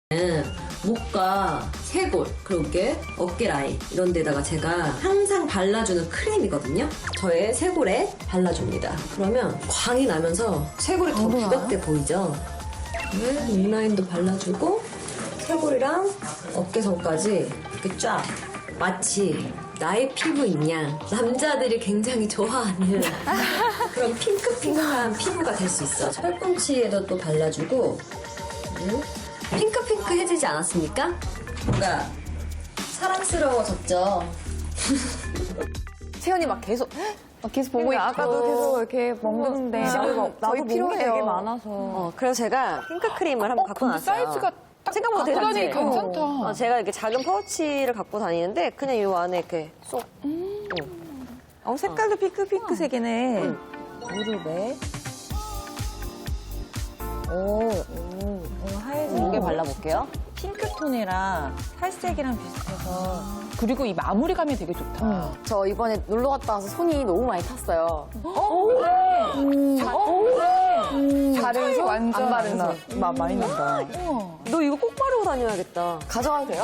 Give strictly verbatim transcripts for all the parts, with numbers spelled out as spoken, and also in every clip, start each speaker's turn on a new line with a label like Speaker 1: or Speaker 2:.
Speaker 1: 목과 쇄골, 그리고 이게 어깨 라인 이런 데다가 제가 항상 발라주는 크림이거든요. 저의 쇄골에 발라줍니다. 그러면 광이 나면서 쇄골이 더 부각돼 보이죠? 네, 립라인도 발라주고 쇄골이랑 어깨선까지 이렇게 쫙 마치 나의 피부인 양 남자들이 굉장히 좋아하는 그런 핑크핑크한 피부가 될 수 있어. 팔꿈치에도 또 발라주고 음? 핑크핑크해지지 않았습니까? 뭔가 사랑스러워졌죠.
Speaker 2: 채연이 막 계속 막 계속 보고 있고
Speaker 3: 아까도 계속 이렇게 먹는데
Speaker 2: 나도
Speaker 3: 저희
Speaker 2: 몸이
Speaker 3: 필요해요.
Speaker 2: 되게 많아서.
Speaker 4: 어, 그래서 제가 핑크 크림을 한번 갖고
Speaker 3: 근데
Speaker 4: 나왔어요.
Speaker 3: 사이즈가 딱
Speaker 4: 생각보다 되게
Speaker 3: 갖고 다니기
Speaker 4: 작지?
Speaker 3: 괜찮다.
Speaker 4: 어, 제가 이렇게 작은 파우치를 갖고 다니는데 그냥 이 안에 이렇게 쏙.
Speaker 2: 어, 색깔도 핑크핑크색이네. 무릎에. 오, 오, 오 하얘진
Speaker 4: 무게
Speaker 2: 게
Speaker 4: 발라볼게요.
Speaker 2: 핑크톤이랑 살색이랑 비슷해서.
Speaker 3: 그리고 이 마무리감이 되게 좋다.
Speaker 5: 저 이번에 놀러 갔다 와서 손이 너무 많이 탔어요.
Speaker 3: 잘해서 완전
Speaker 5: 안 바른 손.
Speaker 2: 마, 많이 난다.
Speaker 4: 너 이거 꼭 바르고 다녀야겠다.
Speaker 5: 가져가도 돼요?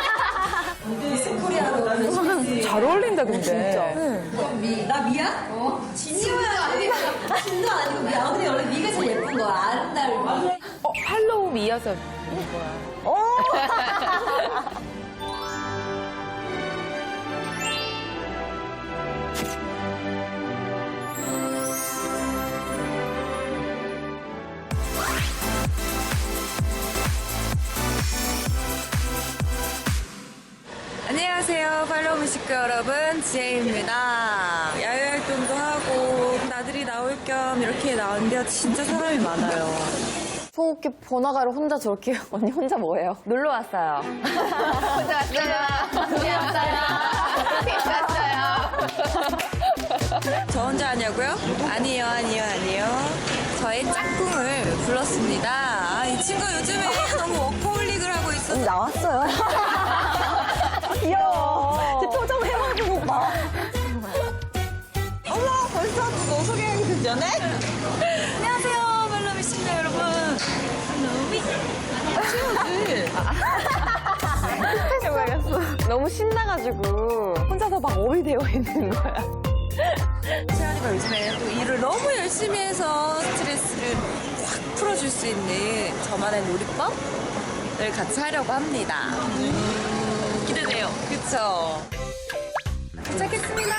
Speaker 3: 잘 어울린다 근데.
Speaker 1: 미, 나 미야? 어? 진주야 아니고 진도 아니고 미야. 아, 근데 원래 미가 제일 예쁜 거야. 아름다운.
Speaker 3: 어, 팔로우 미어서
Speaker 6: 안녕하세요. 팔로우 뮤직교 여러분, 지혜입니다. 야외 활동도 하고 나들이 나올 겸 이렇게 나왔는데요. 진짜 사람이 많아요.
Speaker 5: 소옥기 번화가를 혼자 저렇게 언니 혼자 뭐예요?
Speaker 2: 놀러 왔어요.
Speaker 6: 저 혼자 하냐고요? 아니요, 아니요, 아니요. 저의 짝꿍을 불렀습니다. 아, 이 친구 요즘에 너무 워커홀릭을 하고 있어서
Speaker 2: 나왔어요. 귀여워. 제 표정 해가지고 막.
Speaker 6: 어머, 벌써 너 소개하기 그 전에? 안녕하세요, 팔로우 뮤직교 여러분. 팔로우
Speaker 2: 너무 신나가지고 혼자서 막 업이 되어 있는 거야.
Speaker 6: 채연이가 요즘에 또 일을 너무 열심히 해서 스트레스를 확 풀어줄 수 있는 저만의 놀이법을 같이 하려고 합니다. 기대돼요. 그쵸? 시작했습니다.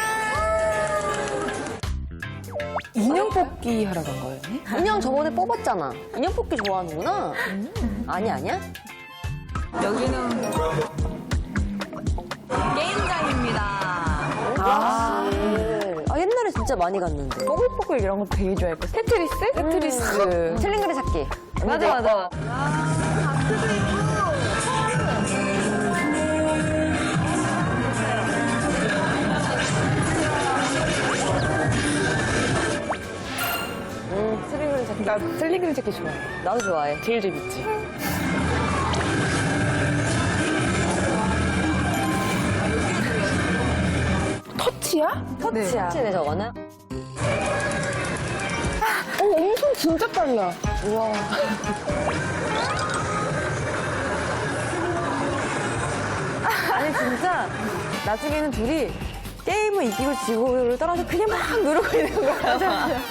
Speaker 3: 인형 뽑기 하러 간 거예요?
Speaker 4: 인형 저번에 뽑았잖아. 인형 뽑기 좋아하는구나. 아니, 아니야?
Speaker 6: 여기는 게임장입니다.
Speaker 4: 아, 아, 옛날에 진짜 많이 갔는데.
Speaker 2: 뽀글뽀글 이런 것도 되게 좋아했고. 테트리스? 테트리스.
Speaker 4: 칠링그리 찾기.
Speaker 2: 맞아, 맞아.
Speaker 4: 음, 칠링그리 찾기.
Speaker 3: 나 슬리그리 찾기 좋아해.
Speaker 4: 나도 좋아해.
Speaker 3: 제일 재밌지. 터치야?
Speaker 2: 터치야.
Speaker 4: 터치네, 저거는.
Speaker 3: 어, 엄청 진짜 빨라. 우와.
Speaker 2: 아니, 진짜 나중에는 둘이 게임을 이기고 지고를 떠나서 그냥 막 누르고 있는 거야.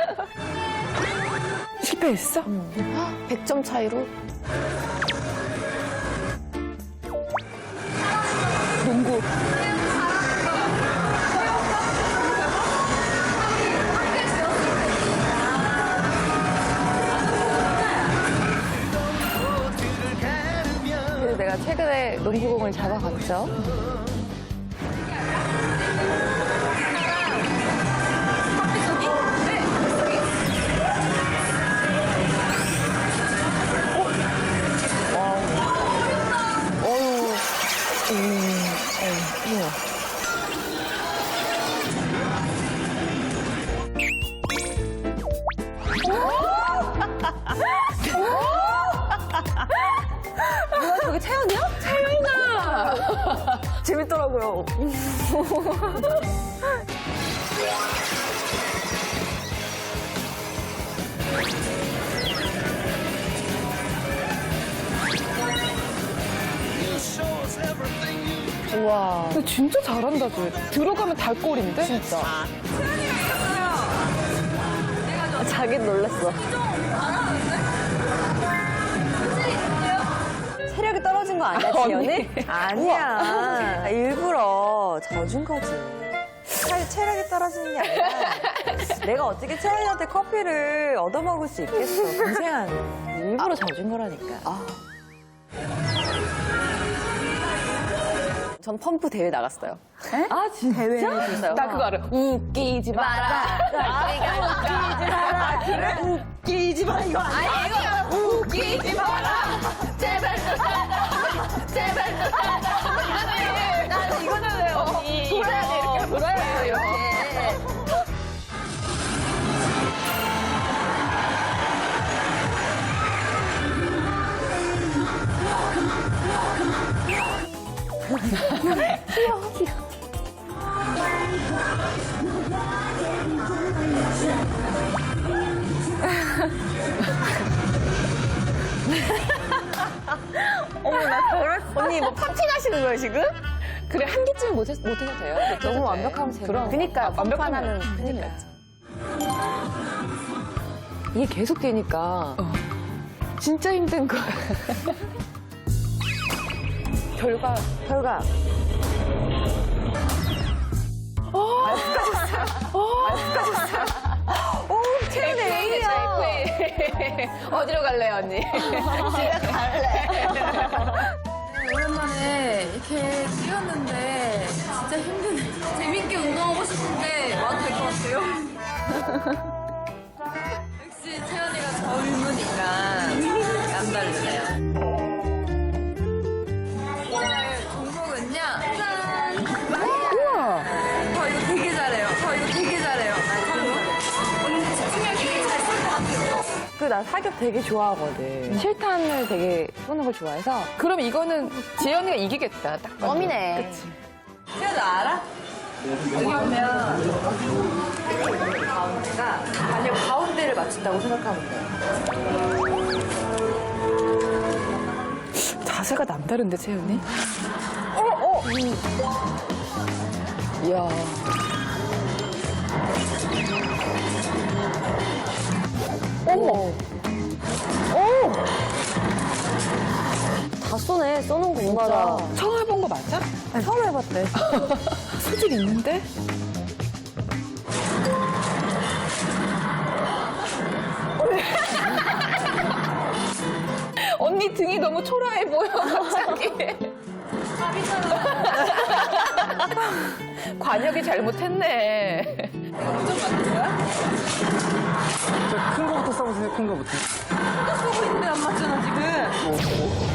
Speaker 3: 실패했어?
Speaker 5: 백 점 차이로?
Speaker 3: 농구.
Speaker 2: 그래서 내가 최근에 농구공을 잡아갔죠. 뭐야, 저게 채연이야? 채연이다! 재밌더라고요.
Speaker 3: 우와. 근데 진짜 잘한다, 쟤. 들어가면 달골인데? 진짜.
Speaker 4: 자기 놀랐어. 체력이 떨어진 거 아니야, 지연이?
Speaker 2: 아니야. 일부러 져준 거지. 체- 체력이 떨어지는 게 아니라 내가 어떻게 채연이한테 커피를 얻어먹을 수 있겠어. 동생아, 일부러 져준 거라니까.
Speaker 4: 전 펌프 대회 나갔어요.
Speaker 2: 아, 진짜? 대회
Speaker 4: 진짜요?
Speaker 3: 나 그거 알아. 웃기지 마라.
Speaker 2: 웃기지 마라. 그래? 웃기지 마, 이거 아니야.
Speaker 3: 웃기지 마라. 제발 좀 살아. 제발 좀 살아. 난 이거잖아요, 언니. 돌아야 돼, 이렇게. 돌아야 돼, 이렇게.
Speaker 2: 언니 뭐 파팅하시는 거예요, 지금?
Speaker 3: 그래, 한 개쯤 못, 못 해도 돼요.
Speaker 2: 너무 완벽하면 재밌어.
Speaker 3: 그럼.
Speaker 2: 그니까,
Speaker 3: 아, 완벽하면
Speaker 2: 완벽하면 큰일
Speaker 3: 그니까.
Speaker 2: 나지. 이게 계속 되니까
Speaker 3: 진짜 힘든 거야. 결과.
Speaker 2: 결과
Speaker 3: 최근에 어디로 갈래요, 언니? 집에 갈래.
Speaker 6: 오랜만에 이렇게 뛰었는데 진짜 힘드네. 재밌게 운동하고 싶은데 와도 될 것 같아요. 역시 채연이가 젊으니까 남다르네요. 오늘 종목은요. 짠! 우와! 저 이거 되게 잘해요. 저 이거 되게 잘해요. 언니 집중력 되게 잘 쓸 것 같아요.
Speaker 2: 그 나 사격 되게 좋아하거든. 실탄을 되게 쏘는 걸 좋아해서
Speaker 3: 그럼 이거는 지연이가 이기겠다. 딱 봐도.
Speaker 5: 껌이네.
Speaker 3: 그치.
Speaker 6: 채연아 알아? 여기 보면 가운데가
Speaker 2: 아니요, 가운데를 맞춘다고 생각하면 돼.
Speaker 3: 자세가 남다른데, 채연이? 어, 어. 이야.
Speaker 2: 어머. 다 쏘네. 쏘는 거 뭔가가.
Speaker 3: 처음 해본 거 맞아?
Speaker 2: 처음 해봤대.
Speaker 3: 소질 있는데? 언니 등이 너무 초라해 보여, 갑자기. 관역이 잘못했네.
Speaker 7: 큰 거부터 써보세요, 큰 거부터.
Speaker 6: 쏘고 있는데 안 맞잖아 지금.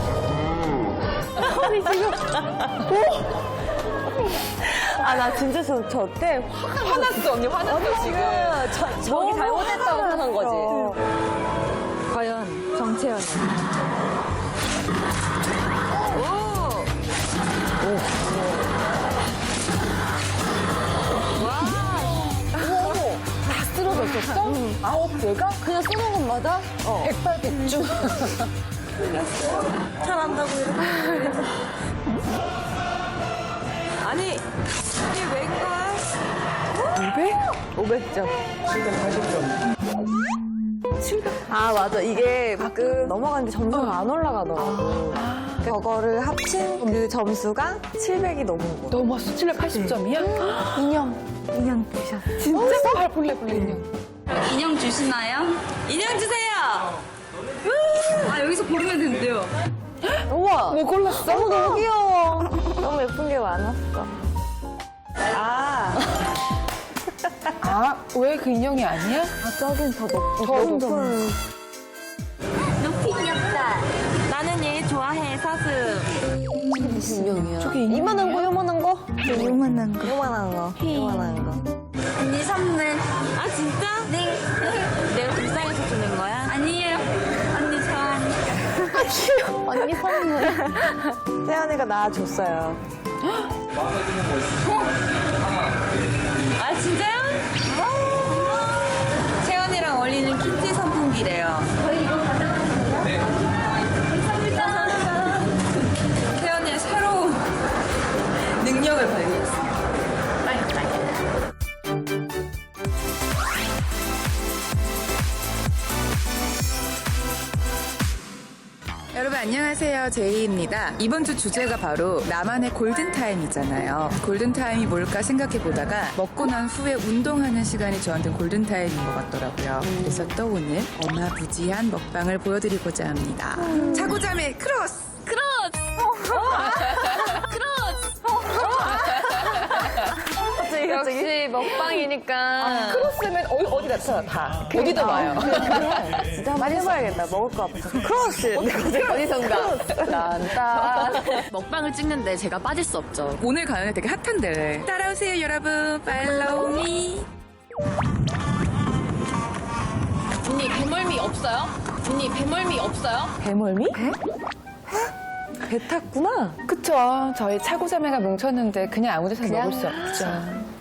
Speaker 2: 아, 나 진짜 저, 저 때 화가
Speaker 3: 화났어, 언니, 화났어, 지금.
Speaker 2: 저, 저기 잘못했다고 생각한 거지.
Speaker 6: 과연 정채연이.
Speaker 3: 다 쓰러졌었어? 아홉 개가?
Speaker 2: 그냥 쏘는 것마다
Speaker 3: 백발백중.
Speaker 6: 잘한다고 이렇게. 아니 이게 웬걸?
Speaker 3: 오백?
Speaker 2: 오백 점.
Speaker 7: 칠백팔십 점.
Speaker 3: 칠백.
Speaker 2: 아, 맞아. 이게 가끔 넘어가는데 점수가 안 올라가더라고. 저거를 합친 그 점수가 칠백이 넘은 거.
Speaker 3: 넘었어. 칠백팔십 점이야?
Speaker 5: 인형. 인형 주셨어.
Speaker 3: 진짜? 발 볼래, 볼래, 인형.
Speaker 6: 인형 주시나요? 인형 주세요. 아 여기서 고르면 된대요.
Speaker 2: 우와.
Speaker 3: 뭐 골랐어?
Speaker 2: 너무 너무 귀여워. 너무 예쁜 게 많았어.
Speaker 3: 아. 아, 왜 그 인형이 아니야?
Speaker 2: 아, 저긴 더 높,
Speaker 3: 더
Speaker 2: 높은.
Speaker 3: 높은.
Speaker 5: 높이 귀엽다.
Speaker 6: 나는 얘 좋아해 사슴.
Speaker 2: 무슨 인형이야?
Speaker 3: 저게 인형.
Speaker 2: 이만한 거, 요만한 거?
Speaker 5: 요만한 거.
Speaker 2: 요만한 거. 요만한 거.
Speaker 5: 언니 선물.
Speaker 6: 아 진짜?
Speaker 5: 네.
Speaker 6: 내가 불쌍해서 주는 거야?
Speaker 5: 아니에요. 언니 좋아하니까. 언니 선물.
Speaker 2: 태연이가 나 줬어요.
Speaker 6: 아 진짜요? 채연이랑 어울리는 키티 선풍기래요.
Speaker 5: 저희 이거 받아가세요. 네. 감사합니다.
Speaker 6: 채연이의 새로운 여러분 안녕하세요. 제이입니다. 이번 주 주제가 바로 나만의 골든타임이잖아요. 골든타임이 뭘까 생각해보다가 먹고 난 후에 운동하는 시간이 저한테는 골든타임인 것 같더라고요. 그래서 또 오늘 어마부지한 먹방을 보여드리고자 합니다. 차고자매 크로스!
Speaker 3: 역시 먹방이니까.
Speaker 2: 크로스면 어디, 어디 나타나, 다. 어디도 와요. 진짜 많이 해봐야겠다. 먹을 거 앞에서. 크로스!
Speaker 3: 어디선가.
Speaker 2: 난다.
Speaker 3: 먹방을 찍는데 제가 빠질 수 없죠.
Speaker 6: 오늘 가요는 되게 핫한데 따라오세요 여러분. 팔로우 미.
Speaker 3: 언니 배멀미 없어요? 언니 배멀미 없어요?
Speaker 2: 배멀미? 배? 배 탔구나.
Speaker 8: 그쵸. 저희 차고자매가 뭉쳤는데 그냥 아무 데서 먹을 수 없죠.